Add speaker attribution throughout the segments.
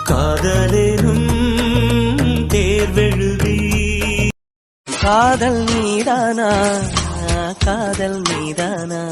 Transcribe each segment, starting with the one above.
Speaker 1: காதலேனும் தேர்வெழுதி காதல் மீதானா காதல் மீதானா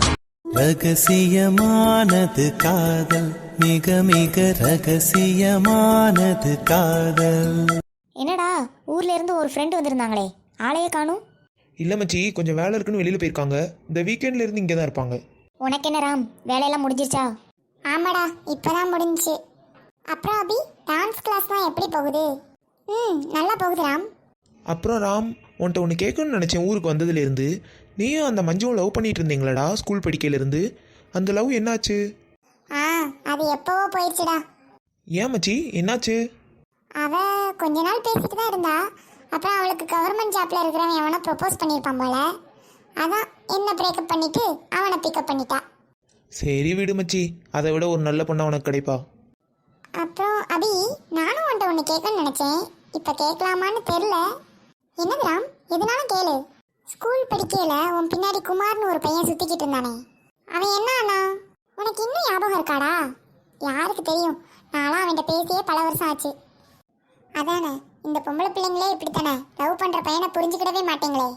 Speaker 1: ரகசியமானது காதல் மிக மிக ரகசியமானது காதல்.
Speaker 2: என்னடா ஊர்ல இருந்து ஒரு ஃப்ரெண்ட் வந்திருந்தாங்களே, ஆளையே காணும்.
Speaker 3: இல்லை மச்சி, கொஞ்சம் வேலை இருக்குன்னு வெளியில் போயிருக்காங்க. இந்த வீக்கெண்ட்ல இருந்து இங்கே தான் இருப்பாங்க.
Speaker 2: உனக்கு என்ன ராம், வேலையெல்லாம் முடிஞ்சிருச்சா?
Speaker 4: ஆமாடா, இப்போதான் முடிஞ்சிச்சு. அப்புறம் அபி, டான்ஸ் கிளாஸ்லாம் எப்படி போகுது? நல்லா போகுது ராம்.
Speaker 3: அப்புறம் ராம், உன்ட்ட ஒன்று கேட்கணும்னு நினச்சேன். ஊருக்கு வந்ததுலேருந்து நீயும் அந்த மஞ்சுவும் லவ் பண்ணிட்டு இருந்தீங்களாடா ஸ்கூல் படிக்கையிலேருந்து. அந்த லவ் என்னாச்சு?
Speaker 4: அது எப்போவோ போயிடுச்சுடா.
Speaker 3: ஏன் மச்சி, என்னாச்சு?
Speaker 4: அவ கொஞ்ச நாள் பேசிட்டு தான் இருந்தா. அப்புறம் அவளுக்கு கவர்மெண்ட் ஜாப்ல இருக்கிறவன் அவனை ப்ரப்போஸ் பண்ணியிருப்பான் போல. அதான் என்ன பிரேக்கப் பண்ணிட்டு அவனை பிக்கப் பண்ணிட்டா.
Speaker 3: சரி விடு மச்சி, அதை விட ஒரு நல்ல பொண்ணா உனக்கு கிடைப்பா.
Speaker 4: அப்புறம் அபி, நானும் உன்ட்ட ஒன்று கேட்கணும்னு நினச்சேன். இப்போ கேட்கலாமான்னு தெரில. என்னது ராம், எதுனாலும் கேளு. ஸ்கூல் படிக்கையில உன் பின்னாடி குமார்னு ஒரு பையன் சுற்றிக்கிட்டு இருந்தானே, அவன் என்ன ஆனா? உனக்கு இன்னும் ஞாபகம் இருக்காடா? யாருக்கு தெரியும், நான்லாம் அவன்கிட்ட பேசியே பல வருஷம் ஆச்சு. அதானே, இந்த பொம்பளை பிள்ளைங்களே இப்படித்தானே, லவ் பண்ணுற பையனை புரிஞ்சுக்கிடவே மாட்டேங்களே.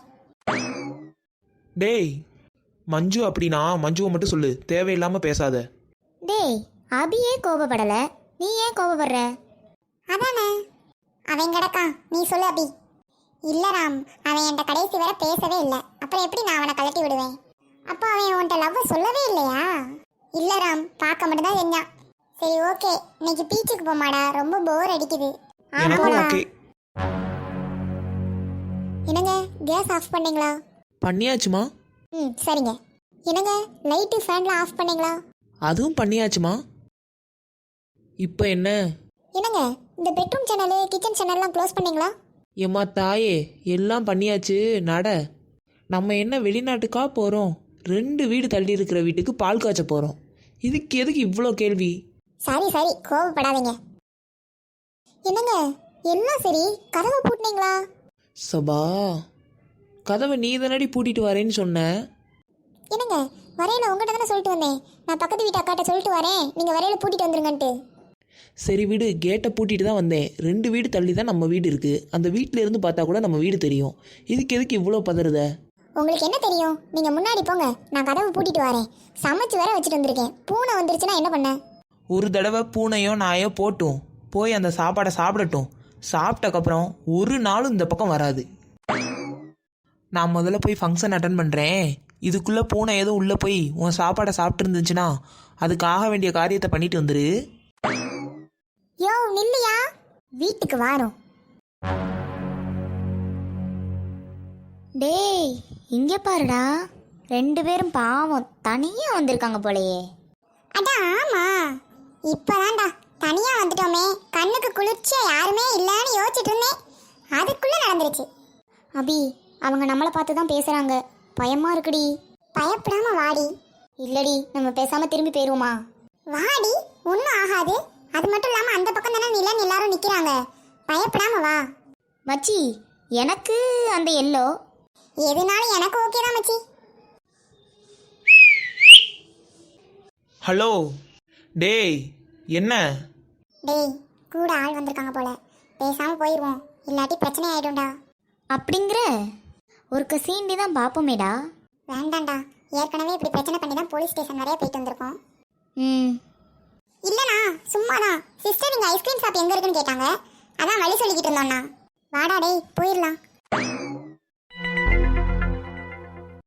Speaker 3: டேய் மஞ்சு, அப்படின்னா மஞ்சுவை மட்டும் சொல்லு, தேவையில்லாமல் பேசாத.
Speaker 2: டேய், அபியே கோபப்படல, நீ ஏன் கோபப்படுற?
Speaker 4: அதானே, அவன் கிடக்கான், நீ சொல்லு அபி. இல்லை ராம், அவன் என்கிட்ட கடைசி வரை பேசவே இல்லை. அப்புறம் எப்படி நான் அவனை கலட்டி விடுவேன்? அப்போ அவன் உன்கிட்ட லவ்வை சொல்லவே இல்லையா? இல்லை ராம், பார்க்க மட்டும்தான் செஞ்சான். சரி ஓகே, இன்னைக்கு பீச்சுக்கு போமாடா, ரொம்ப போர் அடிக்குது. என்னங்க, கேஸ் ஆஃப் பண்ணீங்களா?
Speaker 3: பண்ணியாச்சுமா.
Speaker 4: சரிங்க. என்னங்க, லைட்டு ஃபேன்லாம் ஆஃப் பண்ணீங்களா?
Speaker 3: அதுவும் பண்ணியாச்சுமா. இப்போ என்ன?
Speaker 4: என்னங்க, இந்த பெட்ரூம் சேனலு கிச்சன் சேனல்லாம் க்ளோஸ் பண்ணீங்களா?
Speaker 3: ஏம்மா தாயே, எல்லாம் பண்ணியாச்சு. நட, நம்ம என்ன வெளிநாட்டுக்கா போகிறோம்? 2 வீடு தள்ளி இருக்கிற வீட்டுக்கு பால் காய்ச்ச போகிறோம். இதுக்கு எதுக்கு இவ்வளோ கேள்வி?
Speaker 4: சரி சரி, கோவப்படாதீங்க. என்னங்க, எல்லாம் சரி, கதவை பூட்டினீங்களா?
Speaker 3: சபா, கதவை நீ தானடி பூட்டிட்டு வரேன்னு சொன்ன.
Speaker 4: என்னங்க, வரையில உங்கள்கிட்ட தானே சொல்லிட்டு வந்தேன். நான் பக்கத்து வீட்டு அக்காட்ட சொல்லிட்டு வரேன், நீங்கள் வரையில பூட்டிட்டு வந்துருங்கன்ட்டு.
Speaker 3: சரி விடு, கேட்டை பூட்டிட்டு தான் வந்தேன். 2 வீடு தள்ளி தான் நம்ம வீடு இருக்குது. அந்த வீட்டில் இருந்து பார்த்தா கூட நம்ம வீடு தெரியும். இதுக்கு எதுக்கு இவ்வளோ பதறுத?
Speaker 4: உங்களுக்கு என்ன தெரியும்? நீங்கள் முன்னாடி போங்க, நான் கதவை பூட்டிட்டு வரேன். சமைச்சு வேற வச்சுட்டு வந்திருக்கேன். பூனை வந்துருச்சுன்னா என்ன பண்ண?
Speaker 3: ஒரு தடவை பூனையோ நாயோ போட்டும், போய் அந்த சாப்பாடை சாப்பிடட்டும். சாப்பிட்டக்கப்புறம் ஒரு நாளும் இந்த பக்கம் வராது. நான் முதல்ல போய் ஃபங்க்ஷன் அட்டன் பண்ணுறேன். இதுக்குள்ளே பூனை எதுவும் உள்ளே போய் உன் சாப்பாடை சாப்பிட்டு இருந்துச்சுன்னா அதுக்கு ஆக வேண்டிய காரியத்தை பண்ணிட்டு வந்துரு.
Speaker 4: யோ நில்லையா, வீட்டுக்கு வாரோம்.
Speaker 2: டேய், இங்கே பாருடா, 2 பேரும் பாவம் தனியாக வந்திருக்காங்க போலையே.
Speaker 4: அதான் ஆமா, இப்பதான்டா தனியா வந்துட்டோமே, கண்ணுக்கு குளிர்ச்சியா யாருமே இல்லைன்னு யோசிச்சுட்டு இருந்தேன். அதுக்குள்ள நடந்துருச்சு.
Speaker 2: அபி, அவங்க நம்மளை பார்த்து தான் பேசுகிறாங்க, பயமாக இருக்குடி.
Speaker 4: பயப்படாம வாடி.
Speaker 2: இல்லடி, நம்ம பேசாமல் திரும்பி போயிடுவோமா?
Speaker 4: வாடி, ஒன்றும் ஆகாது. அது மட்டும் இல்லாமல் அந்த பக்கம் தானே நிலன்னு எல்லாரும் நிற்கிறாங்க. பயப்படாம வா.
Speaker 2: மச்சி, எனக்கு அந்த எல்லோ
Speaker 4: எதுனாலும் எனக்கு ஓகே தான் மச்சி.
Speaker 3: ஹலோ. டேய், என்ன?
Speaker 4: டேய், கூட ஆள் வந்திருக்காங்க போல, பேசாம போயிடுவோம், இல்லாட்டி பிரச்சனை ஆயிடும்டா.
Speaker 2: அப்படிங்கிற ஒரு சீண்டி தான் பார்ப்போமேடா.
Speaker 4: வேண்டாம்டா, ஏற்கனவே இப்படி பிரச்சனை பண்ணி தான் போலீஸ் ஸ்டேஷன் வரைய போயிட்டு வந்திருக்கோம். இல்லைண்ணா, சும்மாதான். சிஸ்டர், நீங்கள் ஐஸ்கிரீம் ஷாப் எங்கே இருக்குன்னு கேட்டாங்க, அதான் வழி சொல்லிக்கிட்டு இருந்தோண்ணா. வாடா டேய், போயிடலாம்.